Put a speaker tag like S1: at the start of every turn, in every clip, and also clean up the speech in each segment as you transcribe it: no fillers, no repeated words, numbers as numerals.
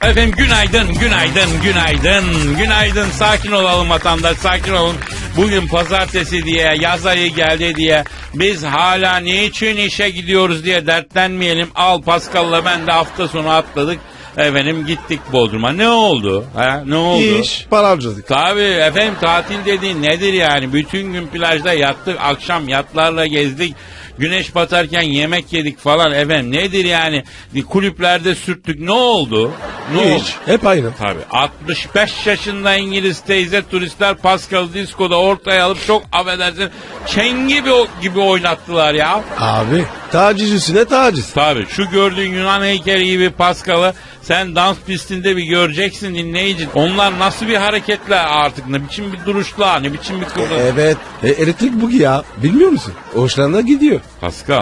S1: Efendim günaydın, günaydın, günaydın, günaydın. Sakin olalım vatandaş, sakin olun. Bugün pazartesi diye, yaz ayı geldi diye biz hala niçin işe gidiyoruz diye dertlenmeyelim. Al Pascal'la ben de hafta sonu atladık. Efendim gittik Bodrum'a. Ne oldu? Ha? Ne oldu?
S2: İş, para harcadık.
S1: Tabii efendim, tatil dediğin nedir yani? Bütün gün plajda yattık, akşam yatlarla gezdik. Güneş batarken yemek yedik falan efendim. Nedir yani? Kulüplerde sürttük. Ne oldu? Ne oldu?
S2: Hiç, hep aynı.
S1: Tabii 65 yaşında İngiliz teyze turistler Pascal Disco'da ortaya alıp çok affedersin çengi gibi oynattılar ya.
S2: Abi, taciz üstüne taciz.
S1: Tabii şu gördüğün Yunan heykeli gibi Pascal'ı sen dans pistinde bir göreceksin dinleyici. Onlar nasıl bir hareketler artık, ne biçim bir duruşlar, ne biçim bir kıvrım.
S2: Evet, elektrik bugi ya. Bilmiyor musun? Hoşlarına gidiyor.
S1: Pascal,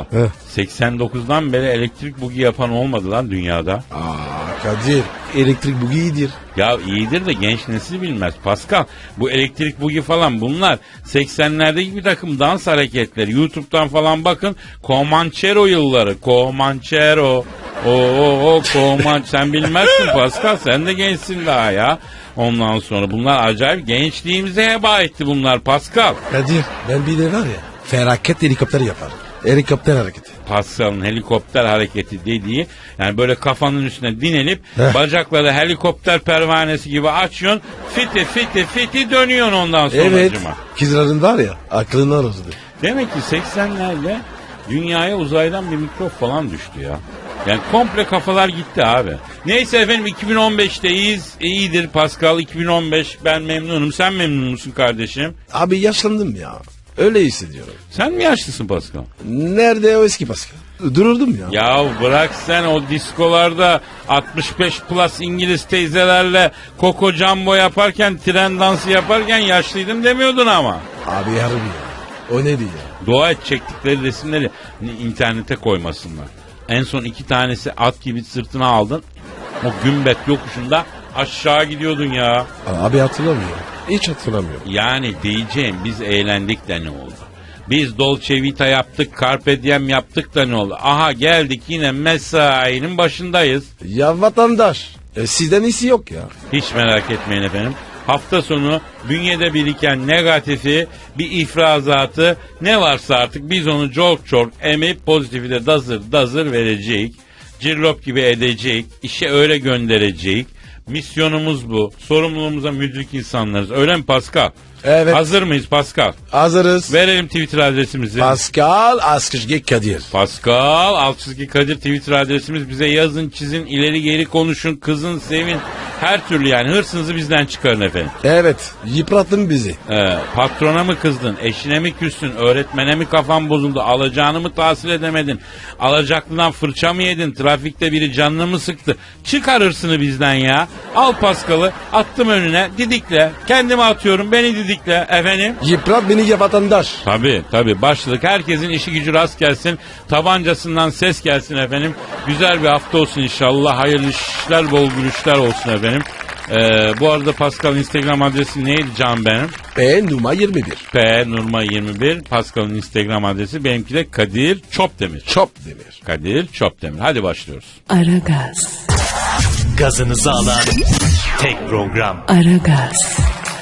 S1: 89'dan beri elektrik bugi yapan olmadı lan dünyada.
S2: Aa Kadir, elektrik bugi iyidir.
S1: Ya iyidir de genç nesil bilmez Pascal. Bu elektrik bugi falan bunlar 80'lerdeki bir takım dans hareketleri. YouTube'dan falan bakın. Comanchero yılları. Comanchero. Comanchero. Sen bilmezsin Pascal. Sen de gençsin daha ya. Ondan sonra bunlar acayip gençliğimize heba etti bunlar Pascal.
S2: Kadir, ben bir de var ya, felaket helikopter yaparım. Helikopter hareketi.
S1: Pascal'ın helikopter hareketi dediği, yani böyle kafanın üstüne dinelip bacakları helikopter pervanesi gibi açıyorsun, fiti dönüyorsun ondan sonra.
S2: Evet, kızların var ya, aklını arızdı.
S1: Demek ki 80'lerde dünyaya uzaydan bir mikrop falan düştü ya. Yani komple kafalar gitti abi. Neyse efendim 2015'teyiz. İyidir Pascal, 2015, ben memnunum. Sen memnun musun kardeşim?
S2: Abi yaşlandım ya. Öyle hissediyorum.
S1: Sen mi yaşlısın Pascal?
S2: Nerede o eski Pascal? Dururdum ya.
S1: Ya bırak sen o diskolarda 65 plus İngiliz teyzelerle Coco Jumbo yaparken, tren dansı yaparken yaşlıydım demiyordun ama.
S2: Abi harbi ya. O neydi ya?
S1: Dua et çektikleri resimleri internete koymasınlar. En son 2 tanesi at gibi sırtına aldın. O gümbet yokuşunda aşağı gidiyordun ya.
S2: Abi hatırlamıyorum. Hiç hatırlamıyorum.
S1: Yani diyeceğim, biz eğlendik de ne oldu? Biz Dolce Vita yaptık, Carpe Diem yaptık da ne oldu? Aha geldik yine mesainin başındayız.
S2: Ya vatandaş, sizden iyisi yok ya.
S1: Hiç merak etmeyin efendim. Hafta sonu bünyede biriken negatifi, bir ifrazatı ne varsa artık biz onu çok emip pozitifi de dazır verecek. Cirlop gibi edecek. İşe öyle gönderecek. Misyonumuz bu. Sorumluluğumuza müdrik insanlarız. Öyle mi Pascal?
S2: Evet.
S1: Hazır mıyız Pascal?
S2: Hazırız.
S1: Verelim Twitter adresimizi.
S2: Pascal Askışge Kadir.
S1: Pascal Altçizgi Kadir Twitter adresimiz. Bize yazın, çizin, ileri geri konuşun, kızın, sevin. Her türlü yani hırsınızı bizden çıkarın efendim.
S2: Evet, yıprattın bizi.
S1: Patrona mı kızdın, eşine mi küstün, öğretmene mi kafan bozuldu, alacağını mı tahsil edemedin, alacaklından fırça mı yedin, trafikte biri canını mı sıktı? Çıkar hırsını bizden ya. Al Pascal'ı, attım önüne, didikle, kendimi atıyorum, beni didikle efendim.
S2: Yıprat beni ya vatandaş.
S1: Tabii başladık. Herkesin işi gücü rast gelsin. Tabancasından ses gelsin efendim. Güzel bir hafta olsun inşallah. Hayırlı işler, bol gülüşler olsun efendim. Bu arada Pascal'ın Instagram adresi neydi canım benim?
S2: P Numa 21.
S1: P Nurma 21. Pascal'ın Instagram adresi. Benimki de Kadir Çopdemir.
S2: Çopdemir.
S1: Kadir Çopdemir. Hadi başlıyoruz.
S3: Aragaz.
S4: Gazınızı alan tek program.
S3: Aragaz.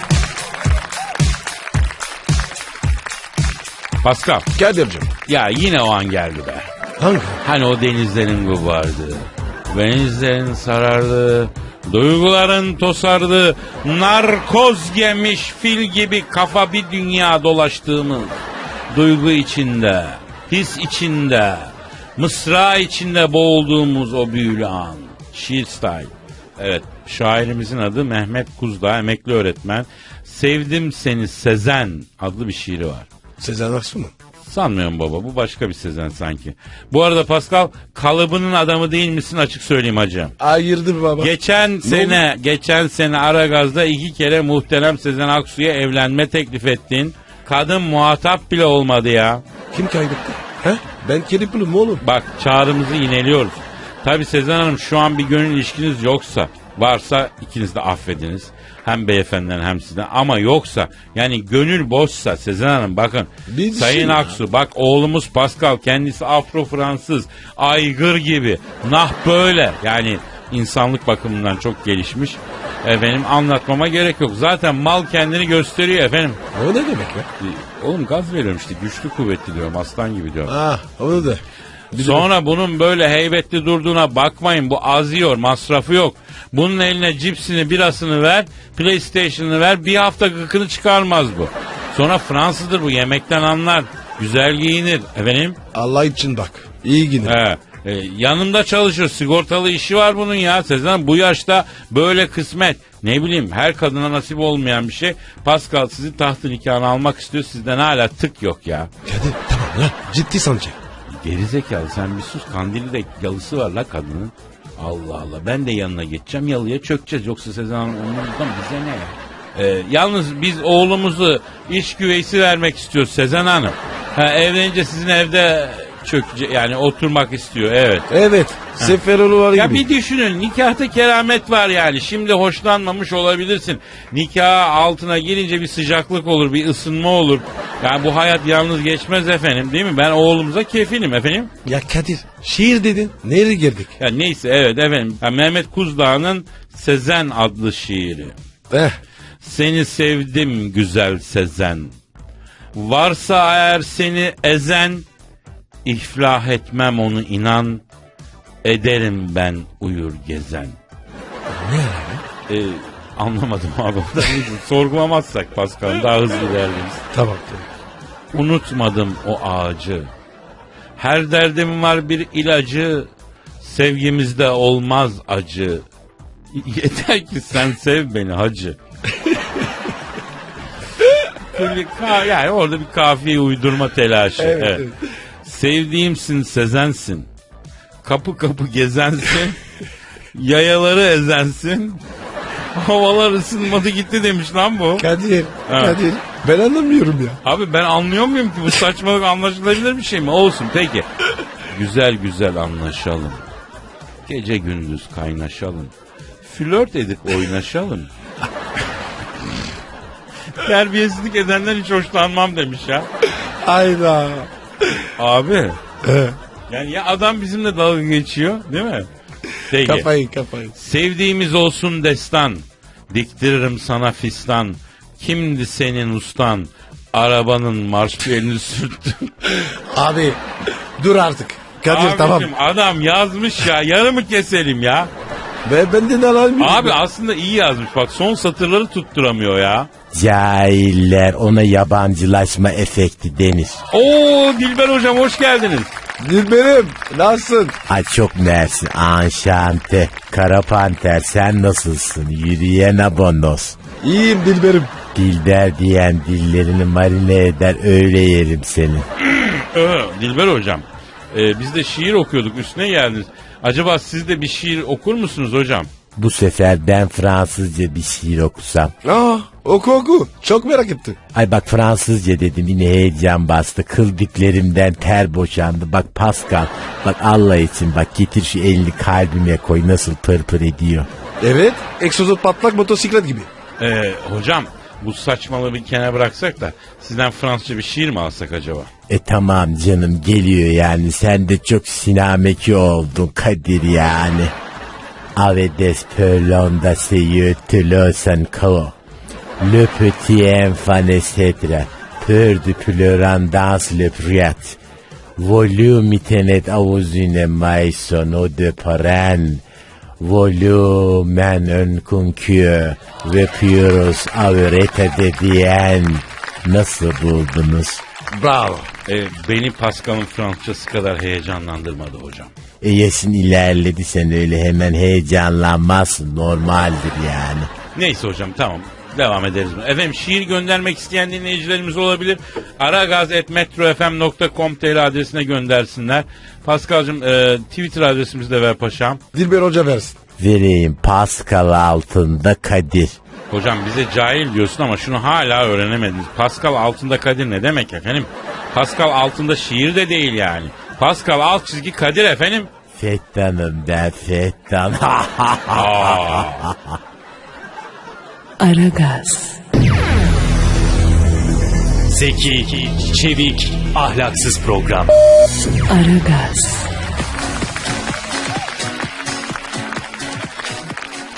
S1: Pascal.
S2: Kadir'cim.
S1: Ya yine o an geldi be.
S2: Hangi?
S1: Hani o denizlerin gubardı, denizlerin sarardı, duyguların tosardı, narkoz yemiş fil gibi kafa bir dünya dolaştığımız, duygu içinde, his içinde, mısra içinde boğulduğumuz o büyülü an. Şiir style. Evet, şairimizin adı Mehmet Kuzdağ, emekli öğretmen. Sevdim Seni Sezen adlı bir şiiri var.
S2: Sezen Aksu mu?
S1: Sanmıyorum baba, bu başka bir Sezen sanki. Bu arada Pascal, kalıbının adamı değil misin açık söyleyeyim hacım.
S2: Hayırdır baba?
S1: Geçen sene Aragaz'da 2 kere muhterem Sezen Aksu'ya evlenme teklif ettin. Kadın muhatap bile olmadı ya.
S2: Kim kaybetti? He? Ben kelipulum oğlum.
S1: Bak çağrımızı yineliyoruz. Tabi Sezen Hanım şu an bir gönül ilişkiniz yoksa, varsa ikiniz de affediniz. Hem beyefendiden hem sizden, ama yoksa yani gönül boşsa Sezen Hanım bakın Sayın Aksu, bak oğlumuz Pascal kendisi Afro Fransız aygır gibi nah böyle yani insanlık bakımından çok gelişmiş. Efendim anlatmama gerek yok. Zaten mal kendini gösteriyor efendim.
S2: O ne demek ya?
S1: Oğlum gaz veriyorum işte, güçlü kuvvetli diyorum, aslan gibi diyorum.
S2: Ah onu da.
S1: Sonra bunun böyle heybetli durduğuna bakmayın. Bu az yiyor, masrafı yok. Bunun eline cipsini, birasını ver, PlayStation'ını ver, bir hafta gıkını çıkarmaz bu. Sonra Fransızdır bu, yemekten anlar, güzel giyinir. Efendim?
S2: Allah için bak. İyi gidin.
S1: Yanımda çalışır, sigortalı işi var bunun ya. Sezen bu yaşta böyle kısmet. Ne bileyim, her kadına nasip olmayan bir şey. Pascal sizi tahtı nikahına almak istiyor, sizden hala tık yok ya.
S2: Kadir tamam ya. Ciddi sanacak.
S1: Gerizekalı sen bir sus, kandili de yalısı var la kadının. Allah Allah, ben de yanına geçeceğim, yalıya çökeceğiz. Yoksa Sezen Hanım onlardan bize ne ya? Yalnız biz oğlumuzu iç güveysi vermek istiyoruz Sezen Hanım. Evlenince sizin evde çökecek, yani oturmak istiyor, evet.
S2: Evet. Seferoğlu var
S1: Ya
S2: gibi.
S1: bir düşünün, nikahta keramet var yani. Şimdi hoşlanmamış olabilirsin. Nikah altına girince bir sıcaklık olur, bir ısınma olur. Yani bu hayat yalnız geçmez efendim, değil mi? Ben oğlumuza kefilim efendim.
S2: Ya Kadir şiir dedin. Nereye girdik?
S1: Ya neyse, evet efendim. Ya Mehmet Kuzdağ'ın Sezen adlı şiiri. Seni sevdim güzel Sezen. Varsa eğer seni ezen, iflah etmem onu inan. Ederim ben uyur gezen.
S2: Ne yani?
S1: Anlamadım abi. Sorgulamazsak Pascal daha hızlı ilerleriz.
S2: Tamam.
S1: Unutmadım o ağacı. Her derdim var bir ilacı. Sevgimizde olmaz acı. Yeter ki sen sev beni hacı. Yani orada bir kafiye uydurma telaşı. Evet. Sevdiğimsin Sezensin. Kapı kapı gezensin. Yayaları ezensin. Havalar ısınmadı gitti demiş lan bu.
S2: Kadir.
S1: Evet.
S2: Kadir. Ben anlamıyorum ya.
S1: Abi ben anlıyor muyum ki, bu saçmalık anlaşılabilir bir şey mi? Olsun peki. Güzel güzel anlaşalım. Gece gündüz kaynaşalım. Flört edip oynaşalım. Terbiyesizlik edenden hiç hoşlanmam demiş ya.
S2: Hayda.
S1: Abi. Yani ya adam bizimle dalga geçiyor değil mi? Peki.
S2: Kafayı.
S1: Sevdiğimiz olsun destan. Diktiririm sana fistan. Kimdi senin ustan? Arabanın marşpiyelini sürttüm.
S2: Abi dur artık. Kadir
S1: Abicim,
S2: tamam.
S1: adam yazmış ya, yarımı keselim ya.
S2: Ve benden alamıyorum.
S1: Abi aslında iyi yazmış, bak son satırları tutturamıyor ya.
S5: Cahiller, ona yabancılaşma efekti denir.
S1: Oo Dilber hocam hoş geldiniz.
S2: Dilberim nasılsın?
S5: Ay çok mersi, anşante. Kara panter, sen nasılsın? Yürüyen abonos.
S2: İyiyim Dilberim.
S5: Dilber diyen dillerini marine eder, öyle yerim seni.
S1: Dilber hocam, biz de şiir okuyorduk, üstüne geldiniz. Acaba siz de bir şiir okur musunuz hocam?
S5: Bu sefer ben Fransızca bir şiir okusam.
S2: Oku. Çok merak ettim.
S5: Ay bak, Fransızca dedim, yine heyecan bastı. Kıl diklerimden ter boşandı. Bak Pascal, bak Allah için bak, getir şu elini kalbime koy, nasıl pırpır ediyor.
S2: Evet. Egzozot patlak motosiklet gibi.
S1: Hocam bu saçmalığı bir kenara bıraksak da sizden Fransızca bir şiir mi alsak acaba?
S5: Tamam canım, geliyor yani, sen de çok sinameki oldun Kadir yani. Avedes pelonda seyeux telosan kao. Le petit enfant etc. Peur de pleurant dans le priat. Volume itenet avuzine maison o de paran. Volumen ön kunkü ve pyrus avrete dediyen. Nasıl buldunuz?
S2: Bravo.
S1: Beni Pascal'ın Fransızcası kadar heyecanlandırmadı hocam.
S5: Yaşın ilerledi, sen öyle hemen heyecanlanmazsın, normaldir yani.
S1: Neyse hocam, tamam, devam ederiz. Efendim şiir göndermek isteyen dinleyicilerimiz olabilir. aragaz@metrofm.com.tr adresine göndersinler. Pascal'cığım Twitter adresimizi de ver paşam.
S2: Dilber Hoca versin.
S5: Vereyim, Pascal altında Kadir.
S1: Hocam bize cahil diyorsun ama şunu hala öğrenemediniz. Pascal altında Kadir ne demek efendim? Pascal altında şiir de değil yani. Pascal alt çizgi Kadir efendim.
S5: Fettanım ben, Fettan.
S3: Aragaz,
S4: Zeki, çevik, ahlaksız program.
S3: Aragaz,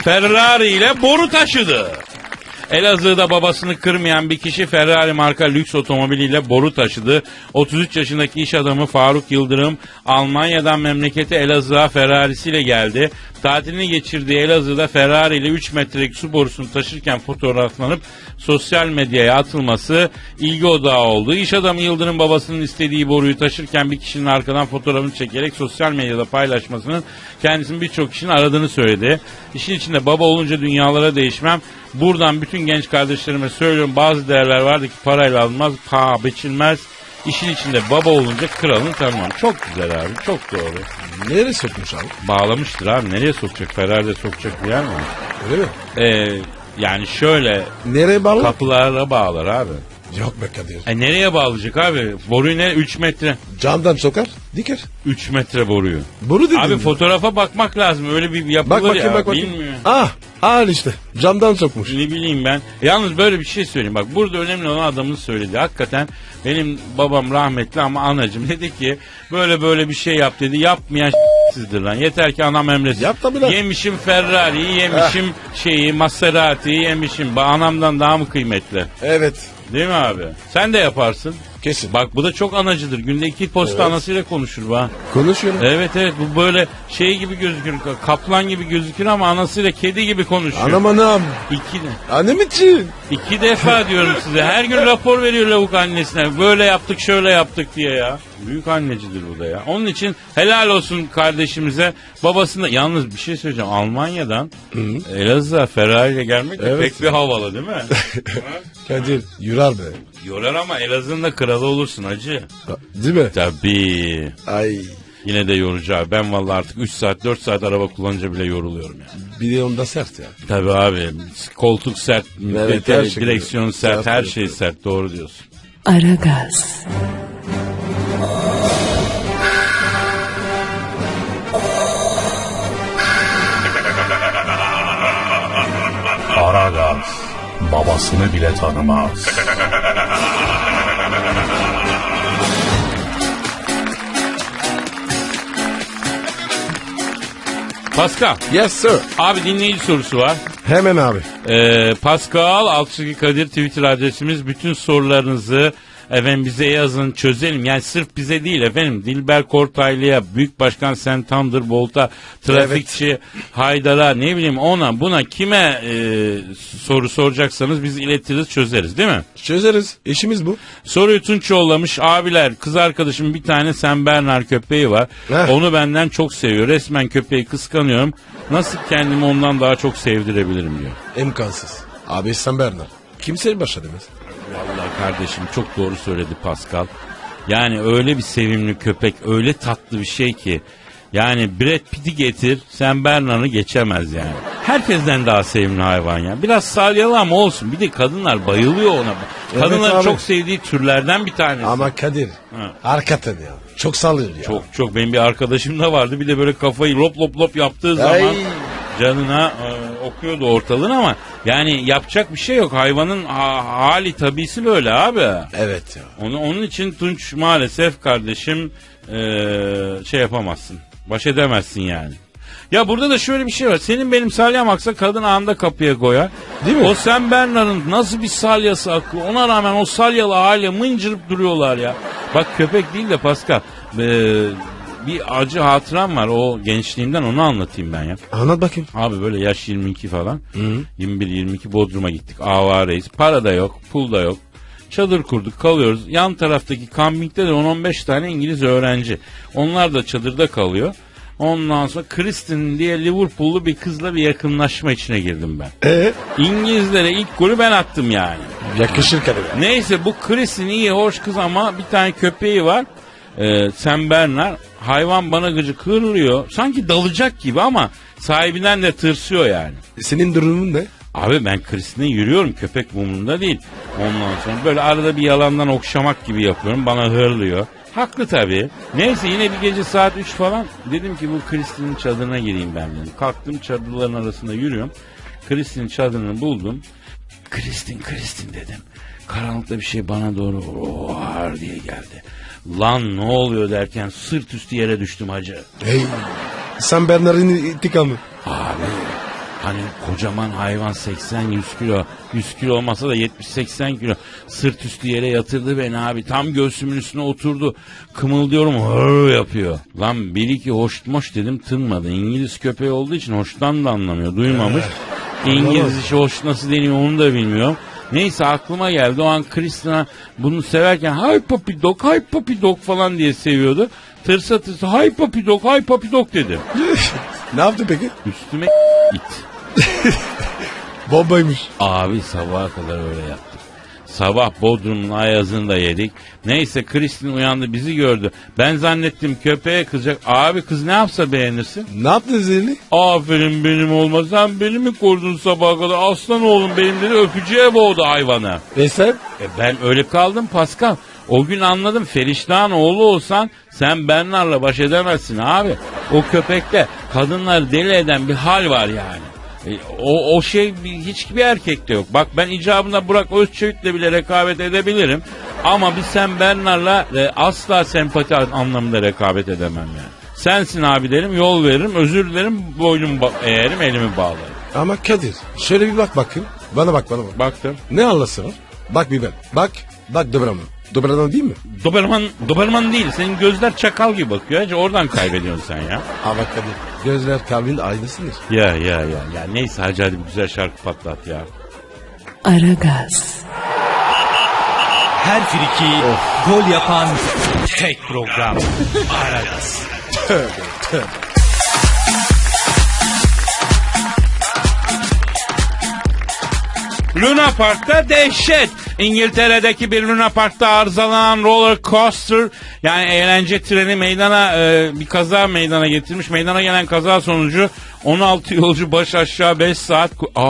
S1: Ferrari ile boru taşıdı. Elazığ'da babasını kırmayan bir kişi Ferrari marka lüks otomobiliyle boru taşıdı. 33 yaşındaki iş adamı Faruk Yıldırım Almanya'dan memleketi Elazığ'a Ferrari'siyle geldi. Tatilini geçirdiği Elazığ'da Ferrari ile 3 metrelik su borusunu taşırken fotoğraflanıp sosyal medyaya atılması ilgi odağı oldu. İş adamı Yıldırım babasının istediği boruyu taşırken bir kişinin arkadan fotoğrafını çekerek sosyal medyada paylaşmasının kendisinin birçok kişinin aradığını söyledi. İşin içinde baba olunca dünyalara değişmem. Buradan bütün genç kardeşlerime söylüyorum, bazı değerler vardı ki parayla alınmaz, paha biçilmez. İşin içinde baba olunca kralını tanımam. Çok güzel abi, çok doğru.
S2: Nereye sokmuş abi?
S1: Bağlamıştır abi, nereye sokacak? Ferrari'de sokacak bir yer mi?
S2: Öyle mi?
S1: Yani şöyle
S2: Nereye bağlı?
S1: kapılara bağlar abi.
S2: Yok be Kadir.
S1: Nereye bağlayacak abi? Boruyu ne? 3 metre.
S2: Camdan sokar, diker.
S1: 3 metre boruyu.
S2: Boru dedin
S1: Abi
S2: mi?
S1: fotoğrafa bakmak lazım. Öyle bir yapılır
S2: Bak bakayım
S1: ya.
S2: bak bakayım.
S1: Bilmiyorum.
S2: Al işte. Camdan sokmuş.
S1: Ne bileyim ben. Yalnız böyle bir şey söyleyeyim. Bak burada önemli olan adamın söyledi. Hakikaten benim babam rahmetli ama anacım dedi ki böyle bir şey yap dedi. Yapmayan sizdir lan. Yeter ki anam emretsin.
S2: Yap tabii lan.
S1: Yemişim Ferrari'yi, yemişim Maserati'yi yemişim. Anamdan daha mı kıymetli?
S2: Evet.
S1: Değil mi abi? Sen de yaparsın.
S2: Kesin.
S1: Bak bu da çok anacıdır. Günde 2 posta
S2: Evet.
S1: anasıyla konuşur be.
S2: Konuşuyorum.
S1: Evet bu böyle şey gibi gözükür. Kaplan gibi gözükür ama anasıyla kedi gibi konuşuyor.
S2: Anam. Annem için.
S1: 2 defa diyorum size. Her gün rapor veriyor lavuk annesine. Böyle yaptık şöyle yaptık diye ya. Büyük annecidir bu da ya. Onun için helal olsun kardeşimize. Babasında yalnız bir şey söyleyeceğim. Almanya'dan Elazığ'a Ferrari ile gelmek de
S2: Evet.
S1: pek bir havalı değil mi?
S2: Kadir yurar be.
S1: Yorar ama Elazığ'ın da kralı olursun hacı.
S2: Değil mi?
S1: Tabii.
S2: Ay.
S1: Yine de yorucu abi. Ben vallahi artık 3 saat 4 saat araba kullanınca bile yoruluyorum ya.
S2: Bir de onda sert ya.
S1: Tabii abi. Koltuk sert,
S2: Evet, her şey
S1: direksiyon
S2: güzel.
S1: sert, her
S2: Sert,
S1: şey
S2: evet.
S1: sert. Doğru diyorsun.
S3: Aragaz,
S4: Aragaz babasını bile tanımaz.
S1: Pascal.
S2: Yes sir.
S1: Abi dinleyici sorusu var.
S2: Hemen abi.
S1: Pascal Altçıgı Kadir Twitter adresimiz. Bütün sorularınızı efendim bize yazın, çözelim. Yani sırf bize değil efendim. Dilber Kortaylı'ya, Büyük Başkan Sen Thunderbolt'a, trafikçi Haydar'a, ne bileyim ona buna kime soru soracaksanız biz iletiriz, çözeriz değil mi?
S2: Çözeriz. İşimiz bu.
S1: Soruyu Tunç yollamış. Abiler, kız arkadaşım bir tane Sen Bernard köpeği var.
S2: Heh.
S1: Onu benden çok seviyor. Resmen köpeği kıskanıyorum. Nasıl kendimi ondan daha çok sevdirebilirim diyor.
S2: İmkansız. Abi sen Bernard. Kimse başa demez.
S1: Vallahi kardeşim çok doğru söyledi Pascal. Yani öyle bir sevimli köpek, öyle tatlı bir şey ki. Yani Brad Pitt'i getir, Sen Bernard'ı geçemez yani. Herkesten daha sevimli hayvan ya. Biraz salyalı ama olsun. Bir de kadınlar bayılıyor ona. Kadınların
S2: abi.
S1: çok sevdiği türlerden bir tanesi.
S2: Ama Kadir. Hakikaten ya. Çok sallıyor ya.
S1: Çok benim bir arkadaşım da vardı. Bir de böyle kafayı lop yaptığı
S2: Ay.
S1: zaman canına okuyordu ortalığın ama yani yapacak bir şey yok. Hayvanın hali tabisi böyle abi.
S2: Evet ya.
S1: Onun için Tunç maalesef kardeşim şey yapamazsın. Baş edemezsin yani. Ya burada da şöyle bir şey var. Senin benim salyam aksa kadın anında kapıya koyar.
S2: Değil mi?
S1: O Sen Bernard'ın nasıl bir salyası akıyor. Ona rağmen o salyalı hale mıncırıp duruyorlar ya. Bak köpek değil de Pascal. Bir acı hatıram var. O gençliğimden onu anlatayım ben ya.
S2: Anlat bakayım.
S1: Abi böyle yaş 22 falan. 21-22 Bodrum'a gittik. Avareyiz. Para da yok, pul da yok. Çadır kurduk, kalıyoruz. Yan taraftaki kampingde de 10-15 tane İngiliz öğrenci. Onlar da çadırda kalıyor. Ondan sonra Kristin diye Liverpool'lu bir kızla bir yakınlaşma içine girdim ben. İngilizlere ilk golü ben attım yani.
S2: Yakışır Kadir.
S1: Neyse bu Kristin iyi hoş kız ama bir tane köpeği var. Sen Bernard. Hayvan bana gıcık hırlıyor. Sanki dalacak gibi ama sahibinden de tırsıyor yani.
S2: Senin durumun ne?
S1: Abi ben Kristin'e yürüyorum, köpek umurumda değil. Ondan sonra böyle arada bir yalandan okşamak gibi yapıyorum, bana hırlıyor. Haklı tabii. Neyse yine bir gece saat 3 falan dedim ki bu Kristin'in çadırına gireyim ben dedim. Kalktım, çadırların arasında yürüyorum. Kristin'in çadırını buldum. Kristin dedim. Karanlıkta bir şey bana doğru var diye geldi. Lan ne oluyor derken sırt üstü yere düştüm hacı.
S2: Hey. Sen Bernard'ın intikamı.
S1: Abi Hani kocaman hayvan 80-100 kilo. 100 kilo olmasa da 70-80 kilo. Sırt üstü yere yatırdı beni abi. Tam göğsümün üstüne oturdu. Kımıldıyorum hır yapıyor. Lan bir iki hoşmoş dedim tınmadı. İngiliz köpeği olduğu için hoştan da anlamıyor. Duymamış. İngiliz işi hoş nasıl deniyor onu da bilmiyorum. Neyse aklıma geldi. O an Kristina bunu severken hay papi dog falan diye seviyordu. Tırsa tırsa hay papi dog dedim.
S2: Ne yaptı peki?
S1: Üstüme it.
S2: Bombaymış.
S1: Abi sabaha kadar öyle yaptık. Sabah Bodrum'un ayazını da yedik. Neyse Kristin uyandı bizi gördü. Ben zannettim köpeğe kızacak. Abi kız ne yapsa beğenirsin.
S2: Ne yaptın Zerli?
S1: Aferin benim olma. Sen beni mi korudun sabaha kadar? Aslan oğlum benim dedi öpücüğe boğdu hayvanı.
S2: Sen?
S1: Ben öyle kaldım Pascal. O gün anladım Feriştah'ın oğlu olsan sen Bernard'la baş edemezsin abi. O köpekte kadınları deli eden bir hal var yani. O şey hiçbir erkekte yok. Bak ben icabında Burak Özçivit'le bile rekabet edebilirim. Ama bir sen Bernard'la asla sempati anlamında rekabet edemem yani. Sensin abi derim, yol veririm, özür dilerim, boynumu eğerim, elimi bağlarım.
S2: Ama Kadir şöyle bir bak bakayım. Bana bak.
S1: Baktım.
S2: Ne anlasın var? Bak bir ben. Bak Doberman. Doberman değil mi?
S1: Doberman değil. Senin gözler çakal gibi bakıyor. Hacı oradan kaybediyorsun sen ya.
S2: Ama Kadir gözler kalbin aynısıdır.
S1: Ya neyse hadi bir güzel şarkı patlat ya.
S3: Aragaz,
S6: Her friki gol yapan tek program. Aragaz.
S1: Luna Park'ta dehşet. İngiltere'deki bir Luna Park'ta arızalanan roller coaster yani eğlence treni bir kaza meydana getirmiş. Meydana gelen kaza sonucu 16 yolcu baş aşağı 5 saat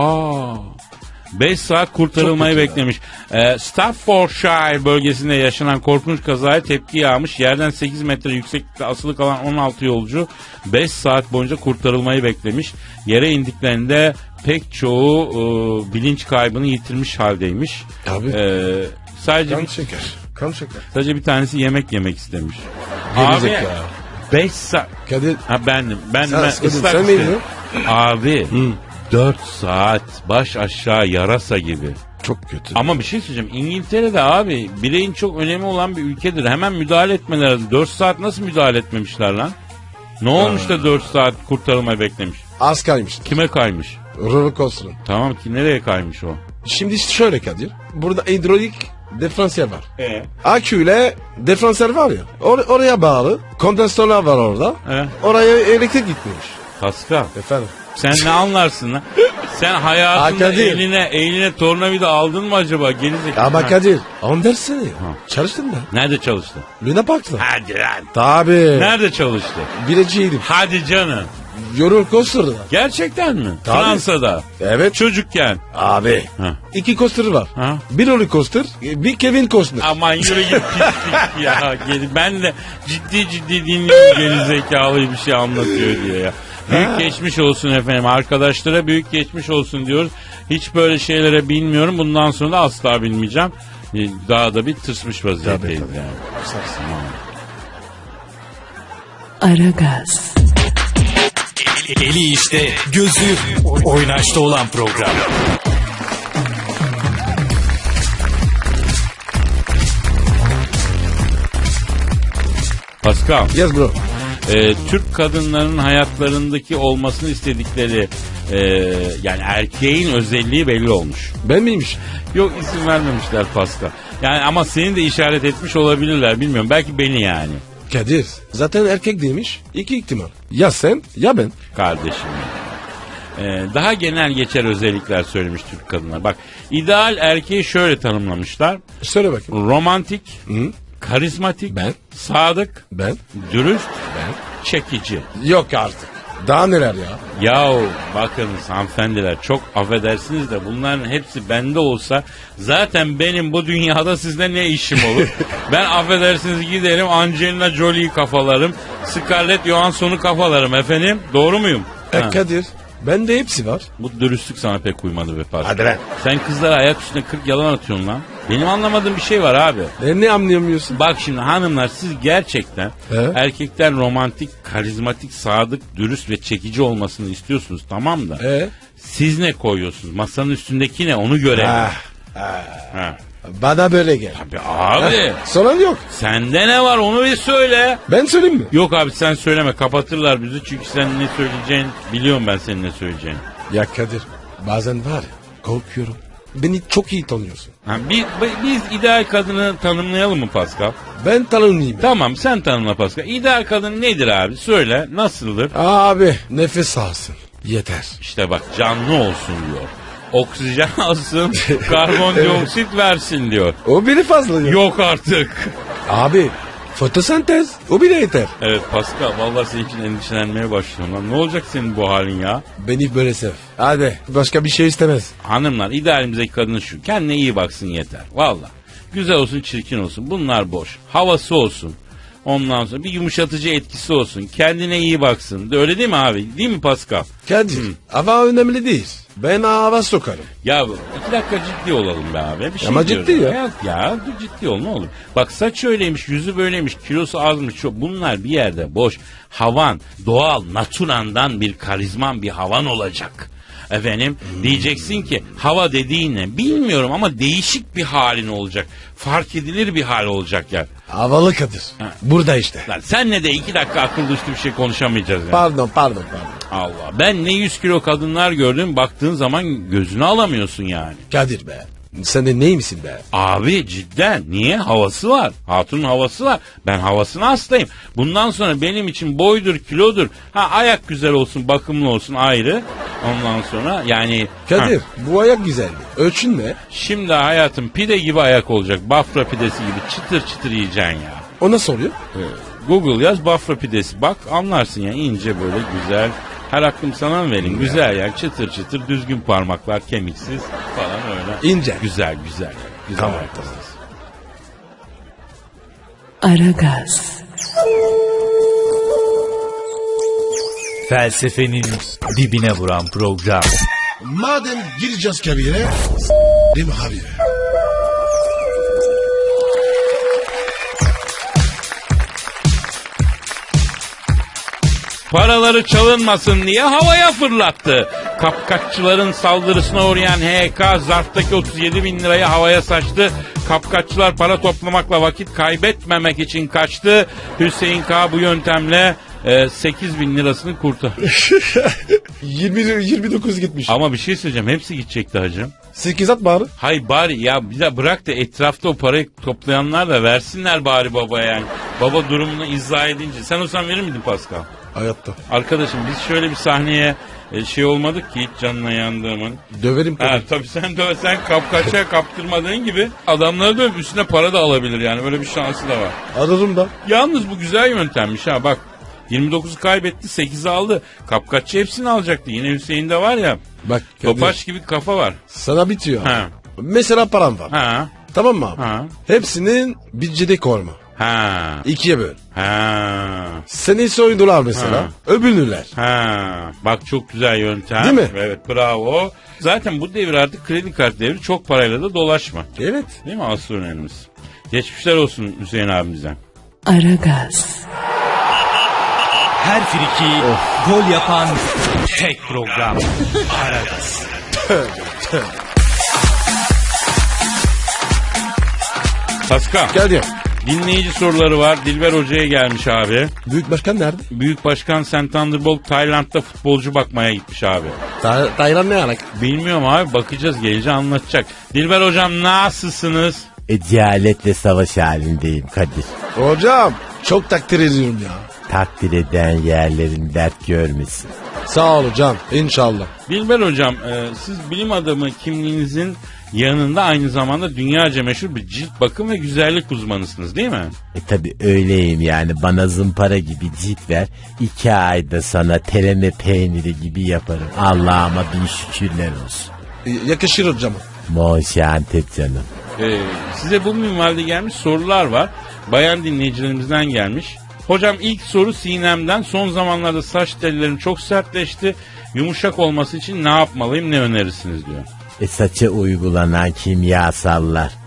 S1: 5 saat kurtarılmayı beklemiş. Staffordshire bölgesinde yaşanan korkunç kazaya tepki yağmış. Yerden 8 metre yükseklikte asılı kalan 16 yolcu 5 saat boyunca kurtarılmayı beklemiş. Yere indiklerinde pek çoğu bilinç kaybını yitirmiş haldeymiş.
S2: Abi.
S1: Sadece
S2: Kan şeker.
S1: sadece bir tanesi yemek istemiş.
S2: Gelecek
S1: Abi
S2: ya.
S1: 5 saat.
S2: Kadir.
S1: Ha bendim. Ben
S2: Sen
S1: ıslak
S2: sen
S1: istedim.
S2: miydin?
S1: Abi 4 saat baş aşağı yarasa gibi.
S2: Çok kötü.
S1: Ama bir şey söyleyeceğim. İngiltere'de abi bireyin çok önemi olan bir ülkedir. Hemen müdahale etmeleri lazım. 4 saat nasıl müdahale etmemişler lan? Ne olmuş da 4 saat kurtarılmayı beklemiş?
S2: Az kaymış.
S1: Kime kaymış?
S2: Roller coaster'ın.
S1: Tamam ki nereye kaymış o?
S2: Şimdi şöyle Kadir. Burada hidrolik diferansiyel var. Aküyle diferansiyel var ya. Oraya bağlı. Kondansatörler var orada. Oraya elektrik gitmiş.
S1: Pascal
S2: Efendim.
S1: sen ne anlarsın lan? Sen hayatında
S2: Kadir.
S1: eline tornavida aldın mı acaba? Gerizekalı.
S2: Ama Kadir. On dersene ya. Çalıştın mı?
S1: Nerede çalıştın?
S2: Luna Park'ta.
S1: Hadi lan.
S2: Tabii.
S1: Nerede çalıştın?
S2: Bileciydim.
S1: Hadi canım.
S2: Roller coaster'da.
S1: Gerçekten mi?
S2: Tabii.
S1: Fransa'da.
S2: Evet.
S1: Çocukken.
S2: Abi.
S1: Ha.
S2: 2 coaster var.
S1: Ha.
S2: Bir roller coaster, bir Kevin Costner.
S1: Aman yürü git pislik ya. Ben de ciddi dinliyorum gerizekalı bir şey anlatıyor diye ya. Büyük geçmiş olsun efendim. Arkadaşlara büyük geçmiş olsun diyoruz. Hiç böyle şeylere bilmiyorum. Bundan sonra da asla bilmeyeceğim. Daha da bir tırsmış vaziyetteyiz
S2: Tabii.
S1: yani.
S3: Aragaz,
S6: Eli işte, gözü oynaşta olan program.
S1: Pascal,
S2: Yes bro.
S1: Türk kadınlarının hayatlarındaki olmasını istedikleri yani erkeğin özelliği belli olmuş.
S2: Ben miymiş?
S1: Yok isim vermemişler Pascal. Yani ama seni de işaret etmiş olabilirler bilmiyorum. Belki beni yani.
S2: Kadir. Zaten erkek demiş. 2 ihtimal. Ya sen ya ben.
S1: Kardeşim. Daha genel geçer özellikler söylemiş Türk kadınlar. Bak ideal erkeği şöyle tanımlamışlar.
S2: Söyle bakayım.
S1: Romantik,
S2: Hı?
S1: karizmatik,
S2: Ben.
S1: sadık,
S2: Ben.
S1: dürüst, çekici.
S2: Yok artık. Daha neler ya?
S1: Yahu bakınız hanımefendiler çok affedersiniz de bunların hepsi bende olsa zaten benim bu dünyada sizle ne işim olur? Ben affedersiniz giderim Angelina Jolie'yi kafalarım, Scarlett Johansson'u kafalarım efendim. Doğru muyum? Ha.
S2: Kadir. Bende hepsi var.
S1: Bu dürüstlük sana pek uymadı be Pascal.
S2: Hadi lan.
S1: Sen kızlara ayak üstüne 40 yalan atıyorsun lan. Benim anlamadığım bir şey var abi.
S2: Ne anlayamıyorsun?
S1: Bak şimdi hanımlar, siz gerçekten erkekten romantik, karizmatik, sadık, dürüst ve çekici olmasını istiyorsunuz, tamam da. Siz ne koyuyorsunuz? Masanın üstündeki ne? Onu görelim. Ha.
S2: Bana böyle gel.
S1: Abi abi.
S2: Sorun yok.
S1: Sende ne var onu bir söyle.
S2: Ben söyleyeyim mi?
S1: Yok abi sen söyleme, kapatırlar bizi, çünkü sen ne söyleyeceğini biliyorum, ben senin ne söyleyeceğini.
S2: Ya Kadir, bazen var ya, korkuyorum. Beni çok iyi tanıyorsun.
S1: Ha, biz ideal kadını tanımlayalım mı Pascal?
S2: Ben tanımlayayım.
S1: Tamam, sen tanımla Pascal. İdeal kadın nedir abi? Söyle, nasıldır?
S2: Abi nefes alsın. Yeter.
S1: İşte bak, canlı olsun diyor. Oksijen alsın, karbondioksit versin diyor.
S2: O biri fazla ya.
S1: Yok artık.
S2: Abi fotosentez o bile yeter.
S1: Evet Pascal, vallahi senin için endişelenmeye başlıyorum lan. Ne olacak senin bu halin ya?
S2: Beni böyle sev. Hadi başka bir şey istemez.
S1: Hanımlar, idealimizdeki kadın şu: kendine iyi baksın yeter. Vallahi güzel olsun, çirkin olsun, bunlar boş. Havası olsun. Ondan sonra bir yumuşatıcı etkisi olsun. Kendine iyi baksın. Öyle değil mi abi? Değil mi Pascal?
S2: Kadir hava önemli değil. Ben hava sokarım.
S1: Ya 2 dakika ciddi olalım be abi. Bir şey
S2: Ama
S1: diyorum.
S2: ciddi ya.
S1: Ya ciddi ol, ne olur. Bak, saç öyleymiş, yüzü böyleymiş, kilosu azmış. Bunlar bir yerde boş. Havan, doğal, naturandan bir karizman bir havan olacak. Efendim diyeceksin ki hava dediğin ne bilmiyorum ama değişik bir halin olacak. Fark edilir bir hal olacak ya.
S2: Havalı Kadir. Burada işte.
S1: Lan senle de 2 dakika akıllı üstü bir şey konuşamayacağız yani.
S2: Pardon.
S1: Allah, ben ne 100 kilo kadınlar gördüm, baktığın zaman gözünü alamıyorsun yani.
S2: Kadir be. Sen de neymişsin be?
S1: Abi cidden, niye? Havası var. Hatunun havası var. Ben havasına hastayım. Bundan sonra benim için boydur, kilodur. Ha, ayak güzel olsun, bakımlı olsun ayrı. Ondan sonra yani...
S2: Kadir bu ayak güzeldi. Ölçün ne?
S1: Şimdi hayatım pide gibi ayak olacak. Bafra pidesi gibi çıtır çıtır yiyeceksin ya.
S2: O nasıl oluyor?
S1: Google yaz, Bafra pidesi. Bak anlarsın ya, ince böyle güzel. Her hakkım sana mı vereyim? Güzel ya, çıtır çıtır, düzgün parmaklar, kemiksiz falan öyle.
S2: İnce.
S1: Güzel.
S2: Tamam.
S3: Aragaz,
S6: Felsefenin dibine vuran program.
S2: Madem gireceğiz kabire, değil mi abi?
S1: Paraları çalınmasın diye havaya fırlattı. Kapkaççıların saldırısına uğrayan HK zarftaki 37 bin lirayı havaya saçtı. Kapkaççılar para toplamakla vakit kaybetmemek için kaçtı. Hüseyin K bu yöntemle 8 bin lirasını kurtardı.
S2: 29 gitmiş.
S1: Ama bir şey söyleyeceğim, hepsi gidecekti hacım.
S2: 8 at bari.
S1: Hay bari ya, bir de bırak da etrafta o parayı toplayanlar da versinler bari babaya yani. Baba durumunu izah edince. Sen olsan verir miydin Pascal?
S2: Hayatta.
S1: Arkadaşım biz şöyle bir sahneye şey olmadık ki hiç canına yandığımın.
S2: Döverim
S1: Ha,
S2: Kadir.
S1: tabii sen kapkaçaya kaptırmadığın gibi adamları dövüp üstüne para da alabilir yani, böyle bir şansı da var.
S2: Ararım da.
S1: Yalnız bu güzel yöntemmiş ha, bak 29'u kaybetti, 8'i aldı. Kapkaççı hepsini alacaktı, yine Hüseyin'de var ya
S2: Bak Kadir.
S1: topaç gibi kafa var.
S2: Sana bitiyor.
S1: Ha.
S2: Mesela param var.
S1: Ha.
S2: Tamam mı abi?
S1: Ha.
S2: Hepsinin bütçede korma.
S1: Ha.
S2: 2'ye böl.
S1: Ha.
S2: Seni soydular mesela.
S1: Ha.
S2: Öbürlüler.
S1: Ha. Bak çok güzel yöntem.
S2: Değil mi?
S1: Evet, bravo. Zaten bu devir artık kredi kart devri, çok parayla da dolaşma.
S2: Evet.
S1: Değil mi, asıl önemlisi? Geçmişler olsun Hüseyin abimizden.
S3: Aragaz,
S6: Her friki gol yapan tek program. Aragaz.
S1: Pascal,
S2: Geldi.
S1: dinleyici soruları var. Dilber Hoca'ya gelmiş abi.
S2: Büyük başkan nerede?
S1: Büyük Başkan Sen Thunderbolt Tayland'da futbolcu bakmaya gitmiş abi.
S2: Taylan ne alak?
S1: Bilmiyorum abi, bakacağız, gelince anlatacak. Dilber Hocam nasılsınız?
S5: Cehaletle savaş halindeyim Kadir.
S2: Hocam çok takdir ediyorum ya.
S5: Takdir eden yerlerin dert görmesin.
S2: Sağ ol hocam. İnşallah.
S1: Dilber Hocam, siz bilim adamı kimliğinizin yanında aynı zamanda dünyaca meşhur bir cilt bakım ve güzellik uzmanısınız değil mi?
S5: Tabi öyleyim yani, bana zımpara gibi cilt ver, 2 ayda sana teleme peyniri gibi yaparım. Allah'ıma bin şükürler olsun.
S2: Yakışır hocam.
S5: Monşantep canım.
S1: Size bu minvalde gelmiş sorular var. Bayan dinleyicilerimizden gelmiş. Hocam ilk soru Sinem'den. Son zamanlarda saç tellerim çok sertleşti. Yumuşak olması için ne yapmalıyım, ne önerirsiniz diyor.
S5: Saça uygulanan kimyasallar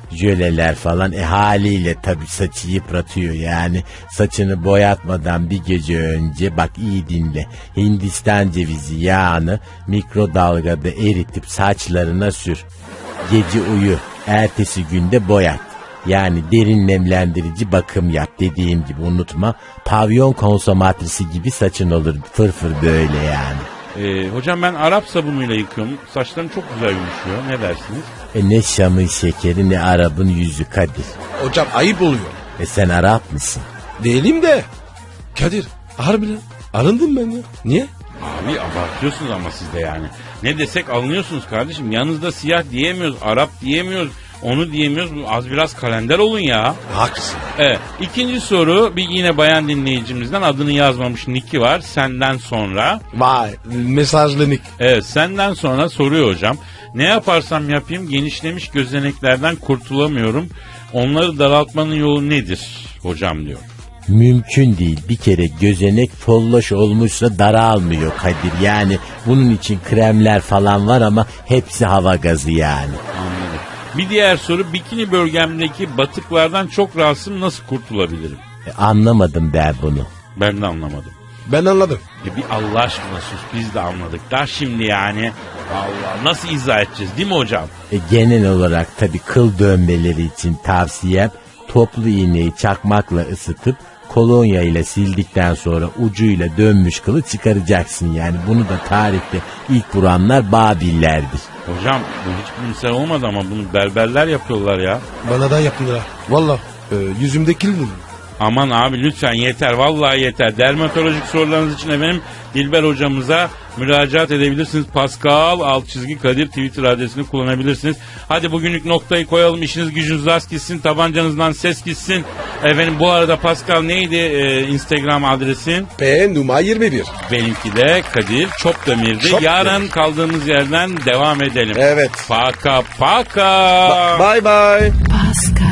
S5: jöleler falan haliyle tabii saçı yıpratıyor yani. Saçını boyatmadan bir gece önce bak iyi dinle, Hindistan cevizi yağını mikrodalgada eritip saçlarına sür. Gece uyu, ertesi günde boyat. Yani derin nemlendirici bakım yap, dediğim gibi unutma. Pavyon konsomatrisi gibi saçın olur, fırfır böyle yani.
S1: Hocam ben Arap sabunuyla yıkıyorum. Saçlarım çok güzel yumuşuyor. Ne dersiniz?
S5: Ne Şam'ın şekeri ne Arap'ın yüzü Kadir.
S2: Hocam ayıp oluyor.
S5: Sen Arap mısın?
S2: Değilim de. Kadir harbiden arındım ben ya. Niye?
S1: Abi abartıyorsunuz ama siz de yani. Ne desek alınıyorsunuz kardeşim. Yanınızda siyah diyemiyoruz, Arap diyemiyoruz. Onu diyemiyoruz. Az biraz kalender olun ya.
S2: Haklısın.
S1: Evet. İkinci soru bir yine bayan dinleyicimizden, adını yazmamış, Niki var. Senden sonra.
S2: Vay mesajlı Nick.
S1: Evet, senden sonra soruyor hocam. Ne yaparsam yapayım genişlemiş gözeneklerden kurtulamıyorum. Onları daraltmanın yolu nedir hocam diyor.
S5: Mümkün değil. Bir kere gözenek folloş olmuşsa daralmıyor Kadir. Yani bunun için kremler falan var ama hepsi hava gazı yani.
S1: Anladım. Bir diğer soru, bikini bölgemdeki batıklardan çok rahatsızım, nasıl kurtulabilirim?
S5: Anlamadım ben bunu.
S1: Ben de anlamadım.
S2: Ben anladım.
S1: Bir Allah aşkına sus, biz de anladık. Da şimdi yani Allah nasıl izah edeceğiz değil mi hocam?
S5: Genel olarak tabii kıl dönmeleri için tavsiyem toplu iğneyi çakmakla ısıtıp kolonya ile sildikten sonra ucuyla dönmüş kılı çıkaracaksın yani. Bunu da tarihte ilk vuranlar Babillerdir.
S1: Hocam bu hiç bilimsel olmadı ama bunu berberler yapıyorlar ya.
S2: Bana da yaptılar. Valla yüzümde kildim.
S1: Aman abi lütfen yeter, vallahi yeter. Dermatolojik sorularınız için efendim Dilber hocamıza müracaat edebilirsiniz. Pascal _Kadir Twitter adresini kullanabilirsiniz. Hadi bugünlük noktayı koyalım. İşiniz gücünüz rast gitsin. Tabancanızdan ses gitsin. Efendim bu arada Pascal neydi Instagram adresin?
S2: P numara 21.
S1: Benimki de Kadir Çopdemir'di.
S2: Çopdemir.
S1: Yarın kaldığımız yerden devam edelim.
S2: Evet.
S1: Paka paka.
S2: Bye bye.
S3: Pascal,